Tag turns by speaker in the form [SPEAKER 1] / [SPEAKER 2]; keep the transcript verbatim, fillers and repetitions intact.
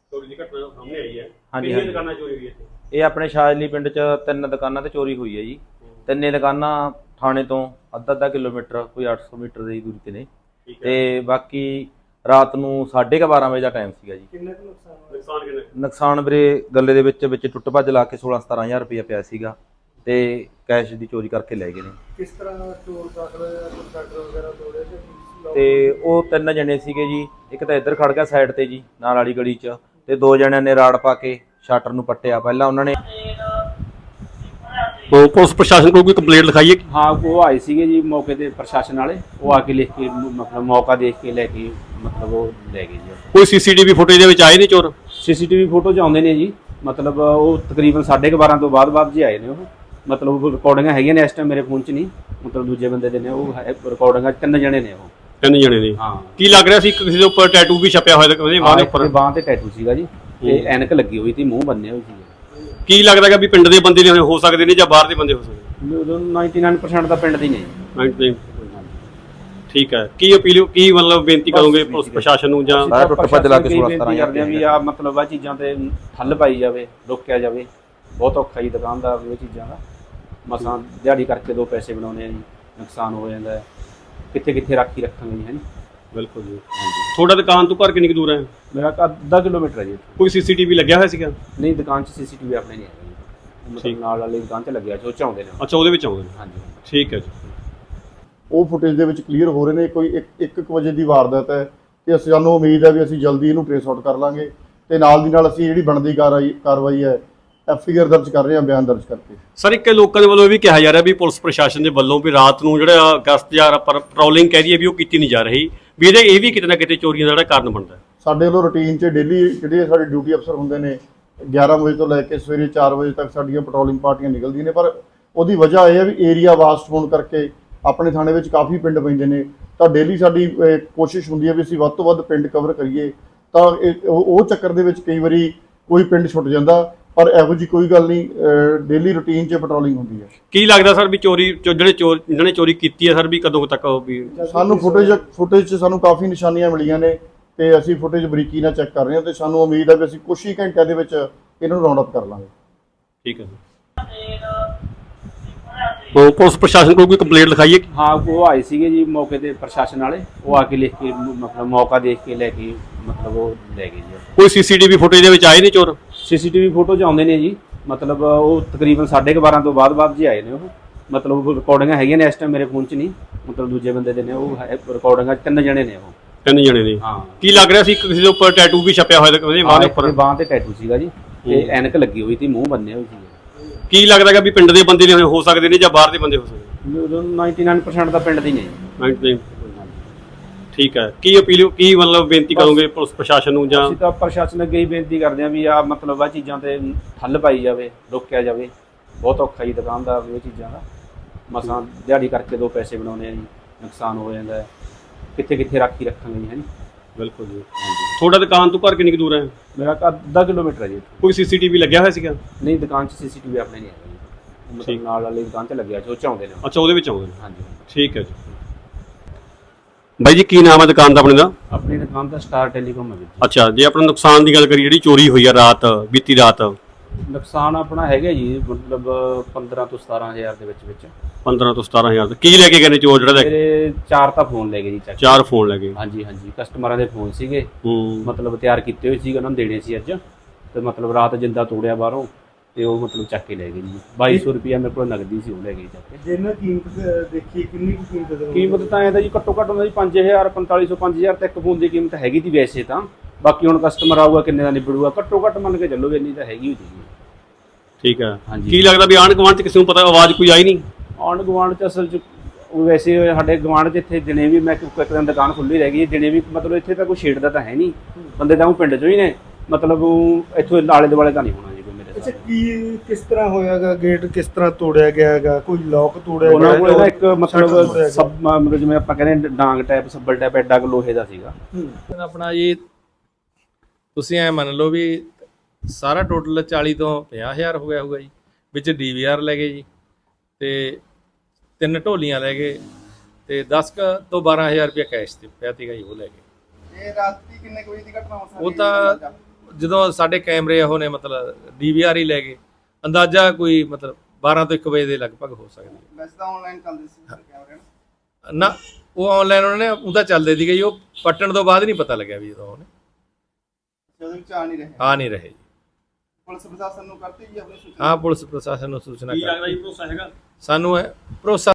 [SPEAKER 1] ਚੋਰੀ ਦੀ ਘਟਨਾ ਸਾਹਮਣੇ ਆਈ ਹੈ।
[SPEAKER 2] ਹਾਂਜੀ
[SPEAKER 1] ਕਿੰਨੀਆਂ
[SPEAKER 2] ਹਾਂਜੀ
[SPEAKER 1] ਦੁਕਾਨਾਂ ਚੋਰੀ ਹੋਈਆਂ ਇੱਥੇ?
[SPEAKER 2] ਇਹ ਆਪਣੇ ਸ਼ਾਜਲੀ ਪਿੰਡ 'ਚ ਤਿੰਨ ਦੁਕਾਨਾਂ ਤੇ ਚੋਰੀ ਹੋਈ ਹੈ ਜੀ। ਤਿੰਨੇ ਦੁਕਾਨਾਂ ਥਾਣੇ ਤੋਂ ਅੱਧਾ ਅੱਧਾ ਕਿਲੋਮੀਟਰ ਕੋਈ ਅੱਠ ਸੌ ਮੀਟਰ ਦੀ ਦੂਰੀ ਤੇ ਨੇ। ਤੇ ਬਾਕੀ ਰਾਤ ਨੂੰ ਸਾਢੇ ਕੁ ਬਾਰਾਂ ਵਜੇ ਦਾ ਟਾਈਮ ਸੀਗਾ ਜੀ।
[SPEAKER 1] ਕਿੰਨਾ ਕੁ ਨੁਕਸਾਨ ਹੋਇਆ? ਨੁਕਸਾਨ ਕਿੰਨਾ?
[SPEAKER 2] ਨੁਕਸਾਨ ਵੀਰੇ ਗੱਲੇ ਦੇ ਵਿੱਚ ਵਿੱਚ ਟੁੱਟ ਭੱਜ ਲਾ ਕੇ ਸੋਲਾਂ ਸਤਾਰਾਂ ਹਜ਼ਾਰ ਰੁਪਇਆ ਪਿਆ ਸੀਗਾ ਤੇ ਕੈਸ਼ ਦੀ ਚੋਰੀ ਕਰਕੇ ਲੈ ਗਏ ਨੇ।
[SPEAKER 1] ਕਿਸ ਤਰ੍ਹਾਂ ਚੋਰ ਦਾਖਲ ਹੋਇਆ? ਕੋਈ ਸ਼ਟਰ ਵਗੈਰਾ ਤੋੜਿਆ
[SPEAKER 2] ਤੇ ਉਹ ਤਿੰਨ ਜਣੇ ਸੀਗੇ ਜੀ। ਇੱਕ ਤਾਂ ਇੱਧਰ ਖੜ ਗਿਆ ਸਾਈਡ ਤੇ ਜੀ ਨਾਲ ਵਾਲੀ ਗਲੀ 'ਚ, ਤੇ ਦੋ ਜਣਿਆਂ ਨੇ ਰਾੜ ਪਾ ਕੇ ਸ਼ਟਰ ਨੂੰ ਪੱਟਿਆ। ਪਹਿਲਾਂ ਉਹਨਾਂ ਨੇ
[SPEAKER 1] ਪੁਲਿਸ ਪ੍ਰਸ਼ਾਸਨ ਕੋਲ ਕੋਈ ਕੰਪਲੇਂਟ ਲਿਖਾਈ ਹੈ?
[SPEAKER 3] हाँ वो आए सीगे जी मौके ते प्रशासन वाले, वो आके लिख के मतलब मौका देख के लेके मतलब वो ले गए जी।
[SPEAKER 1] ਕੋਈ ਸੀਸੀਟੀਵੀ ਫੁਟੇਜ ਦੇ ਵਿੱਚ ਆਏ ਨੇ ਚੋਰ?
[SPEAKER 3] सीसीटीवी फोटो च आउंदे ने जी, मतलब वो तकरीबन साढ़े के बारह तो बाद बाद जी आए ने वो, मतलब रिकॉर्डिंग हैगी ने इस टाइम मेरे फोन च नहीं, मतलब दूजे बंदे दे ने वो रिकॉर्डिंग तीन जने ने वो।
[SPEAKER 1] ਤਿੰਨ ਜਣੇ ਨੇ?
[SPEAKER 3] हाँ
[SPEAKER 1] ਕੀ ਲੱਗ ਰਿਹਾ ਸੀ ਕਿਸੇ ਦੇ ਉੱਪਰ ਟੈਟੂ ਵੀ ਛਪਿਆ ਹੋਇਆ ਤਾਂ ਉਹਦੇ ਬਾਂਹ ਦੇ ਉੱਪਰ?
[SPEAKER 3] बांह ते टैटू सीगा जी ते ऐनक लगी हुई थी, मुंह बन्ने हुए सी।
[SPEAKER 1] ਕੀ ਲੱਗਦਾ ਕਿ ਵੀ ਪਿੰਡ ਦੇ ਬੰਦੇ ਨੇ ਹੋ ਸਕਦੇ ਨੇ ਜਾਂ ਬਾਹਰ ਦੇ ਬੰਦੇ ਹੋ ਸਕਦੇ
[SPEAKER 3] निन्यानवे परसेंट ਦਾ ਪਿੰਡ ਦੀ ਨਹੀਂ।
[SPEAKER 1] ਨੇ? ਠੀਕ ਹੈ। ਕੀ ਅਪੀਲ ਕੀ ਮਤਲਬ ਬੇਨਤੀ ਕਰੋਗੇ ਪੁਲਿਸ ਪ੍ਰਸ਼ਾਸਨ ਨੂੰ ਜਾਂ
[SPEAKER 2] ਸਾਰਾ ਟੁੱਟ ਭੱਜ ਲਾ ਕੇ ਸੋਲਾਂ ਸਤਾਰਾਂ ਹਜ਼ਾਰ
[SPEAKER 3] ਕਰਦੇ ਆ ਵੀ ਆ ਮਤਲਬ ਆ ਚੀਜ਼ਾਂ ਤੇ ਠੱਲ ਪਾਈ ਜਾਵੇ, ਰੋਕਿਆ ਜਾਵੇ। ਬਹੁਤ ਔਖਾ ਜੀ ਦੁਕਾਨਦਾਰ ਨੂੰ ਇਹ ਚੀਜ਼ਾਂ ਦਾ, ਮਸਾਂ ਦਿਹਾੜੀ ਕਰਕੇ ਦੋ ਪੈਸੇ ਬਣਾਉਣੇ ਆ ਜੀ, ਨੁਕਸਾਨ ਹੋ ਜਾਂਦਾ ਹੈ। ਕਿੱਥੇ ਕਿੱਥੇ ਰਾਖੀ ਰੱਖਾਂਗੇ ਜੀ, ਹੈ ਨੀ?
[SPEAKER 1] ਬਿਲਕੁਲ ਜੀ। ਤੁਹਾਡਾ ਦੁਕਾਨ ਤੋਂ ਘਰ ਕਿੰਨੀ ਕੁ ਦੂਰ ਹੈ?
[SPEAKER 3] ਮੇਰਾ ਘਰ ਅੱਧਾ ਕਿਲੋਮੀਟਰ ਹੈ ਜੀ।
[SPEAKER 1] ਕੋਈ ਸੀਸੀਟੀਵੀ ਲੱਗਿਆ ਹੋਇਆ ਸੀਗਾ?
[SPEAKER 3] ਨਹੀਂ, ਦੁਕਾਨ 'ਚ ਸੀਸੀਟੀਵੀ ਆਪਣੇ ਨਹੀਂ ਹੈਗਾ ਜੀ, ਮਤਲਬ ਨਾਲ ਵਾਲੀ ਦੁਕਾਨ 'ਚ ਲੱਗਿਆ ਜੋ ਚਾਹੁੰਦੇ ਨੇ।
[SPEAKER 1] ਅੱਛਾ, ਉਹਦੇ ਵਿੱਚ ਆਉਂਦੇ ਨੇ।
[SPEAKER 3] ਹਾਂਜੀ
[SPEAKER 1] ਠੀਕ ਹੈ ਜੀ।
[SPEAKER 4] ਉਹ ਫੁਟੇਜ ਦੇ ਵਿੱਚ ਕਲੀਅਰ ਹੋ ਰਹੇ ਨੇ। ਕੋਈ ਇੱਕ ਇੱਕ ਕੁ ਵਜੇ ਦੀ ਵਾਰਦਾਤ ਹੈ ਤੇ ਅਸੀਂ ਸਾਨੂੰ ਉਮੀਦ ਹੈ ਵੀ ਅਸੀਂ ਜਲਦੀ ਇਹਨੂੰ ਟ੍ਰੇਸ ਆਊਟ ਕਰ ਲਾਂਗੇ ਤੇ ਨਾਲ ਦੀ ਨਾਲ ਅਸੀਂ ਜਿਹੜੀ ਬਣਦੀ ਕਾਰਵਾਈ ਕਾਰਵਾਈ ਹੈ ਐਫ ਆਈ ਆਰ ਦਰਜ ਕਰ ਰਹੇ ਹਾਂ, ਬਿਆਨ ਦਰਜ ਕਰਕੇ।
[SPEAKER 1] ਸਰ, ਇੱਕ ਲੋਕਾਂ ਦੇ ਵੱਲੋਂ ਇਹ ਵੀ ਕਿਹਾ ਜਾ ਰਿਹਾ ਵੀ ਪੁਲਿਸ ਪ੍ਰਸ਼ਾਸਨ ਦੇ ਵੱਲੋਂ ਵੀ ਰਾਤ ਨੂੰ ਜਿਹੜਾ ਗਸ਼ਤ ਜਾਂ ਪੈਟਰੋਲਿੰਗ ਕਹਿ ਦਈਏ ਵੀ ਉਹ ਕੀਤੀ ਨਹੀਂ ਜਾ ਰਹੀ, ਵੀ ਇਹਦੇ ਇਹ ਵੀ ਕਿਤੇ ਨਾ ਕਿਤੇ ਚੋਰੀਆਂ ਦਾ ਜਿਹੜਾ ਕਾਰਨ ਬਣਦਾ।
[SPEAKER 4] ਸਾਡੇ ਵੱਲੋਂ ਰੂਟੀਨ 'ਚ ਡੇਲੀ ਜਿਹੜੇ ਸਾਡੇ ਡਿਊਟੀ ਅਫਸਰ ਹੁੰਦੇ ਨੇ ਗਿਆਰਾਂ ਵਜੇ ਤੋਂ ਲੈ ਕੇ ਸਵੇਰੇ ਚਾਰ ਵਜੇ ਤੱਕ ਸਾਡੀਆਂ ਪੈਟਰੋਲਿੰਗ ਪਾਰਟੀਆਂ ਨਿਕਲਦੀਆਂ ਨੇ, ਪਰ ਉਹਦੀ ਵਜ੍ਹਾ ਇਹ ਹੈ ਵੀ ਏਰੀਆ ਵਾਸਟ ਹੋਣ ਕਰਕੇ ਆਪਣੇ ਥਾਣੇ ਵਿੱਚ ਕਾਫੀ ਪਿੰਡ ਪੈਂਦੇ ਨੇ, ਤਾਂ ਡੇਲੀ ਸਾਡੀ ਕੋਸ਼ਿਸ਼ ਹੁੰਦੀ ਹੈ ਵੀ ਅਸੀਂ ਵੱਧ ਤੋਂ ਵੱਧ ਪਿੰਡ ਕਵਰ ਕਰੀਏ। ਤਾਂ ਉਹ ਚੱਕਰ ਦੇ ਵਿੱਚ ਕਈ ਵਾਰੀ ਕੋਈ ਪਿੰਡ ਛੁੱਟ ਜਾਂਦਾ, ਪਰ ਇਹੋ ਜਿਹੀ ਕੋਈ ਗੱਲ ਨਹੀਂ, ਡੇਲੀ ਰੂਟੀਨ 'ਚ ਪੈਟਰੋਲਿੰਗ ਹੁੰਦੀ ਹੈ। ਕੀ
[SPEAKER 1] ਲੱਗਦਾ ਸਰ ਵੀ ਚੋਰੀ ਜਿਹੜੇ ਚੋਰ ਜਿਹਨਾਂ ਨੇ ਚੋਰੀ ਕੀਤੀ ਹੈ ਸਰ ਵੀ ਕਦੋਂ ਤੱਕ ਵੀ?
[SPEAKER 4] ਸਾਨੂੰ ਫੁਟੇਜ ਫੁਟੇਜ 'ਚ ਸਾਨੂੰ ਕਾਫੀ ਨਿਸ਼ਾਨੀਆਂ ਮਿਲੀਆਂ ਨੇ ਤੇ ਅਸੀਂ ਫੁਟੇਜ ਬਰੀਕੀ ਨਾਲ ਚੈੱਕ ਕਰ ਰਹੇ ਹਾਂ ਤੇ ਸਾਨੂੰ ਉਮੀਦ ਹੈ ਵੀ ਅਸੀਂ ਕੁਝ ਹੀ ਘੰਟਿਆਂ ਦੇ ਵਿੱਚ ਇਹਨਾਂ ਨੂੰ ਰਾਉਂਡ ਅਪ ਕਰ ਲਾਂਗੇ।
[SPEAKER 1] ਠੀਕ ਹੈ। ਉਹ ਪੁਲਿਸ ਪ੍ਰਸ਼ਾਸਨ ਕੋਲ ਕੋਈ ਕੰਪਲੇਂਟ ਲਿਖਾਈ ਹੈ?
[SPEAKER 3] हाँ वो आए सीगे जी मौके ते प्रशासन वाले, वो आके लिख के मतलब मौका देख के लेके मतलब वो ले गए जी।
[SPEAKER 1] ਕੋਈ ਸੀਸੀਟੀਵੀ ਫੁਟੇਜ ਦੇ ਵਿੱਚ ਆਏ ਨੇ ਚੋਰ?
[SPEAKER 3] ਸੀਸੀਟੀਵੀ ਫੋਟੋ 'ਚ ਆਉਂਦੇ ਨੇ ਜੀ, ਮਤਲਬ ਉਹ ਤਕਰੀਬਨ ਸਾਢੇ ਕੁ ਬਾਰਾਂ ਤੋਂ ਬਾਅਦ ਬਾਅਦ ਜੀ ਆਏ ਨੇ ਉਹ, ਮਤਲਬ ਰਿਕਾਰਡਿੰਗਾਂ ਹੈਗੀਆਂ ਨੇ ਇਸ ਟਾਈਮ ਮੇਰੇ ਫੋਨ 'ਚ ਨਹੀਂ, ਮਤਲਬ ਦੂਜੇ ਬੰਦੇ ਦੇ ਨੇ ਉਹ ਰਿਕਾਰਡਿੰਗਾਂ ਤਿੰਨ ਜਣੇ ਨੇ ਉਹ।
[SPEAKER 1] ਤਿੰਨ ਜਣੇ ਨੇ?
[SPEAKER 3] ਹਾਂ।
[SPEAKER 1] ਕੀ ਲੱਗ ਰਿਹਾ ਸੀ ਕਿਸੇ ਦੇ ਉੱਪਰ ਟੈਟੂ ਵੀ ਛਪਿਆ ਹੋਇਆ ਤਾਂ ਉਹਦੇ ਬਾਂਹ ਦੇ ਉੱਪਰ?
[SPEAKER 3] ਬਾਂਹ ਤੇ ਟੈਟੂ ਸੀਗਾ ਜੀ ਤੇ ਐਨਕ ਲੱਗੀ ਹੋਈ ਸੀ, ਮੂੰਹ ਬੰਨੇ ਹੋਏ ਸੀ।
[SPEAKER 1] ਕੀ ਲੱਗਦਾ ਕਿ ਵੀ ਪਿੰਡ ਦੇ ਬੰਦੇ ਨੇ ਹੋ ਸਕਦੇ ਨੇ ਜਾਂ ਬਾਹਰ ਦੇ ਬੰਦੇ ਹੋ ਸਕਦੇ?
[SPEAKER 3] ਨਿन्यानवे परसेंट ਦਾ ਪਿੰਡ ਦੀ ਨਹੀਂ।
[SPEAKER 1] ਠੀਕ ਹੈ। ਕੀ ਅਪੀਲ ਕੀ ਮਤਲਬ ਬੇਨਤੀ ਕਰੋਗੇ ਪੁਲਿਸ ਪ੍ਰਸ਼ਾਸਨ ਨੂੰ ਜਾਂ?
[SPEAKER 3] ਅਸੀਂ ਤਾਂ ਪ੍ਰਸ਼ਾਸਨ ਅੱਗੇ ਹੀ ਬੇਨਤੀ ਕਰਦੇ ਹਾਂ ਵੀ ਆ ਮਤਲਬ ਆ ਚੀਜ਼ਾਂ ਤੇ ਠੱਲ ਪਾਈ ਜਾਵੇ, ਰੋਕਿਆ ਜਾਵੇ। ਬਹੁਤ ਔਖਾ ਜੀ ਦੁਕਾਨਦਾਰ ਨੂੰ ਇਹ ਚੀਜ਼ਾਂ ਦਾ, ਮਸਾਂ ਦਿਹਾੜੀ ਕਰਕੇ ਦੋ ਪੈਸੇ ਬਣਾਉਣੇ ਆ ਜੀ, ਨੁਕਸਾਨ ਹੋ ਜਾਂਦਾ ਹੈ। ਕਿੱਥੇ ਕਿੱਥੇ ਰਾਖੀ ਰੱਖਾਂਗੇ ਜੀ, ਹੈ ਨੀ?
[SPEAKER 1] ਬਿਲਕੁਲ ਜੀ। ਤੁਹਾਡਾ ਦੁਕਾਨ ਤੋਂ ਘਰ ਕਿੰਨੀ ਕੁ ਦੂਰ ਹੈ?
[SPEAKER 3] ਮੇਰਾ ਘਰ ਅੱਧਾ ਕਿਲੋਮੀਟਰ ਹੈ ਜੀ।
[SPEAKER 1] ਕੋਈ ਸੀਸੀਟੀਵੀ ਲੱਗਿਆ ਹੋਇਆ ਸੀਗਾ?
[SPEAKER 3] ਨਹੀਂ, ਦੁਕਾਨ 'ਚ ਸੀਸੀਟੀਵੀ ਆਪਣੇ ਨਹੀਂ ਹੈਗਾ ਜੀ, ਮਤਲਬ ਨਾਲ ਵਾਲੀ ਦੁਕਾਨ 'ਚ ਲੱਗਿਆ ਜੋ ਚਾਹੁੰਦੇ ਨੇ।
[SPEAKER 1] ਅੱਛਾ, ਉਹਦੇ ਵਿੱਚ ਆਉਂਦੇ ਨੇ।
[SPEAKER 3] ਹਾਂਜੀ।
[SPEAKER 1] ਠੀਕ ਹੈ ਜੀ। ਬਾਈ ਜੀ, ਕੀ ਨਾਮ ਹੈ ਦੁਕਾਨ ਦਾ ਆਪਣੇ ਦਾ?
[SPEAKER 3] ਆਪਣੀ ਦੁਕਾਨ ਦਾ ਸਟਾਰ ਟੈਲੀਕਾਮ ਹੈ ਜੀ।
[SPEAKER 1] ਅੱਛਾ, ਜੇ ਆਪਣਾ ਨੁਕਸਾਨ ਦੀ ਗੱਲ ਕਰੀਏ, ਜਿਹੜੀ ਚੋਰੀ ਹੋਈ ਆ ਰਾਤ ਬੀਤੀ ਰਾਤ,
[SPEAKER 3] ਨੁਕਸਾਨ ਆਪਣਾ ਹੈਗਾ ਜੀ ਮਤਲਬ ਪੰਦਰਾਂ ਤੋਂ ਸਤਾਰਾਂ ਹਜ਼ਾਰ ਦੇ ਵਿੱਚ ਵਿੱਚ।
[SPEAKER 1] ਪੰਦਰਾਂ ਤੋਂ ਸਤਾਰਾਂ ਹਜ਼ਾਰ ਕੀ ਲੈ ਕੇ ਗਏ ਨੇ ਚੋਰ? ਜਿਹੜਾ
[SPEAKER 3] ਮੇਰੇ ਚਾਰ ਤਾਂ ਫੋਨ ਲੈ ਗਏ ਜੀ,
[SPEAKER 1] ਚਾਰ ਫੋਨ ਲੈ ਗਏ?
[SPEAKER 3] ਹਾਂਜੀ ਹਾਂਜੀ, ਕਸਟਮਰਾਂ ਦੇ ਫੋਨ ਸੀਗੇ,
[SPEAKER 1] ਹੂੰ,
[SPEAKER 3] ਮਤਲਬ ਤਿਆਰ ਕੀਤੇ ਹੋਏ ਸੀਗੇ, ਉਹਨਾਂ ਨੂੰ ਦੇਣੇ ਸੀ ਅੱਜ, ਤੇ ਮਤਲਬ ਰਾਤ ਜਿੰਦਾ ਤੋੜਿਆ ਬਾਹਰੋਂ ਤੇ ਉਹ ਮਤਲਬ ਚੱਕ ਕੇ ਲੈ ਗਏ ਜੀ। ਬਾਈ ਸੌ ਰੁਪਇਆ ਮੇਰੇ ਕੋਲ ਨਗਦੀ ਸੀ, ਉਹ ਲੈ ਗਏ ਚੱਕ ਕੇ।
[SPEAKER 5] ਜੇ ਇਹਨਾਂ ਕੀਮਤ ਦੇਖੀ ਕਿੰਨੀ ਕੁ ਕੀਮਤ ਦੇ?
[SPEAKER 3] ਕੀਮਤ ਤਾਂ ਐਂ ਤਾਂ ਜੀ ਘੱਟੋ ਘੱਟ ਉਹਨਾਂ ਦੀ ਪੰਜ ਹਜ਼ਾਰ ਪੰਤਾਲੀ ਸੌ ਪੰਜ ਹਜ਼ਾਰ ਤੱਕ ਫੋਨ ਦੀ ਕੀਮਤ ਹੈਗੀ ਤੀ ਵੈਸੇ ਤਾਂ, ਬਾਕੀ ਹੁਣ ਕਸਟਮਰ ਆਊਗਾ ਕਿੰਨੇ ਦਾ ਨਿਬੜੂਗਾ, ਘੱਟੋ ਘੱਟ ਮੰਨ ਕੇ ਚੱਲੋ ਇੰਨੀ ਤਾਂ ਹੈਗੀ ਹੋਈ ਜੀ।
[SPEAKER 1] ਠੀਕ ਹੈ।
[SPEAKER 3] ਹਾਂਜੀ।
[SPEAKER 1] ਕੀ ਲੱਗਦਾ ਵੀ ਆਂਢ ਗੁਆਂਢ 'ਚ ਕਿਸੇ ਨੂੰ ਪਤਾ ਆਵਾਜ਼ ਕੋਈ ਆਈ ਨਹੀਂ?
[SPEAKER 3] ਆਂਢ ਗੁਆਂਢ 'ਚ ਅਸਲ 'ਚ ਵੈਸੇ ਸਾਡੇ ਗੁਆਂਢ 'ਚ ਇੱਥੇ ਦਿਨੇ ਵੀ ਮੈਂ ਇੱਕ ਦਿਨ ਦੁਕਾਨ ਖੁੱਲ੍ਹੀ ਰਹਿ ਗਈ, ਦਿਨੇ ਵੀ ਮਤਲਬ ਇੱਥੇ ਤਾਂ ਕੋਈ ਛੇੜਦਾ ਤਾਂ ਹੈ ਨਹੀਂ, ਬੰਦੇ ਤਾਂ ਉਹ ਪਿੰਡ 'ਚੋਂ ਹੀ ਨੇ, ਮਤਲਬ ਇੱਥੋਂ ਆਲੇ ਦੁਆਲੇ ਤਾਂ ਨਹੀਂ ਹੋਣਾ ਜੀ ਕੋਈ ਮੇਰੇ
[SPEAKER 5] ਅੱਛਾ, ਕੀ ਕਿਸ ਤਰ੍ਹਾਂ ਹੋਇਆਗਾ? ਗੇਟ ਕਿਸ ਤਰ੍ਹਾਂ ਤੋੜਿਆ ਗਿਆ ਹੈਗਾ? ਕੋਈ ਲੋਕ ਤੋੜਿਆ
[SPEAKER 3] ਉਹਨਾਂ ਕੋਲ
[SPEAKER 5] ਗਿਆ?
[SPEAKER 3] ਇੱਕ ਮਤਲਬ ਸਭ ਮਤਲਬ ਜਿਵੇਂ ਆਪਾਂ ਕਹਿੰਦੇ ਡਾਂਗ ਟਾਈਪ, ਸੱਬਲ ਟਾਈਪ ਐਡਾ ਕੁ ਲੋਹੇ ਦਾ ਸੀਗਾ।
[SPEAKER 6] ਆਪਣਾ ਜੀ ਤੁਸੀਂ ਐ ਮੰਨ ਲਓ ਵੀ ਸਾਰਾ ਟੋਟਲ ਚਾਲੀ ਤੋਂ ਪੰਜਾਹ ਹਜ਼ਾਰ ਹੋ ਗਿਆ ਹੋਊਗਾ ਜੀ, ਵਿੱਚ ਡੀ ਵੀ ਆਰ ਲੈ ਗਏ ਜੀ, ਤੇ ਤਿੰਨ ਢੋਲੀਆਂ ਲੈ ਗਏ, ਤੇ ਦਸ ਕੁ ਤੋਂ ਬਾਰਾਂ ਹਜ਼ਾਰ ਰੁਪਇਆ ਕੈਸ਼ ਤੇ ਪਿਆ ਸੀਗਾ ਜੀ, ਉਹ ਲੈ ਗਏ।
[SPEAKER 5] ਇਹ ਰਾਤੀ ਕਿੰਨੇ ਕੋਈ ਦੀ ਘਟਨਾ ਹੋ ਸਕਦੀ?
[SPEAKER 6] ਉਹ ਤਾਂ ਜਦੋਂ ਸਾਡੇ ਕੈਮਰੇ ਉਹ ਨੇ ਮਤਲਬ ਡੀਵੀਆਰ ਹੀ ਲੈ ਗਏ, ਅੰਦਾਜ਼ਾ ਕੋਈ ਮਤਲਬ ਬਾਰਾਂ ਤੋਂ ਇੱਕ ਵਜੇ ਦੇ ਲਗਭਗ ਹੋ ਸਕਦੀ ਹੈ।
[SPEAKER 7] ਵੈਸੇ ਤਾਂ ਆਨਲਾਈਨ ਚੱਲਦੇ ਸੀ ਕੈਮਰੇ ਨਾ।
[SPEAKER 6] ਨਾ ਉਹ ਆਨਲਾਈਨ ਉਹਨਾਂ ਨੇ ਉਹਦਾ ਚੱਲਦੇ ਸੀਗੇ ਜੀ, ਉਹ ਪੱਟਣ ਤੋਂ ਬਾਅਦ ਨਹੀਂ ਪਤਾ ਲੱਗਿਆ ਵੀ ਜਦੋਂ ਉਹਨੇ
[SPEAKER 7] ਉਹਦੇ ਵਿੱਚ ਆ ਨਹੀਂ ਰਹੇ।
[SPEAKER 6] ਆ ਨਹੀਂ ਰਹੇ ਜੀ।
[SPEAKER 7] ਪੁਲਿਸ ਪ੍ਰਸ਼ਾਸਨ ਨੂੰ ਕਰਤੀ ਜੀ ਆਪਣੀ ਸੂਚਨਾ।
[SPEAKER 6] ਹਾਂ ਪੁਲਿਸ ਪ੍ਰਸ਼ਾਸਨ ਨੂੰ ਸੂਚਨਾ
[SPEAKER 1] ਕੀ
[SPEAKER 6] ਕਰ
[SPEAKER 1] ਲੱਗਦਾ ਜੀ ਭਰੋਸਾ ਹੈਗਾ?
[SPEAKER 6] ਸਾਨੂੰ ਇਹ ਭਰੋਸਾ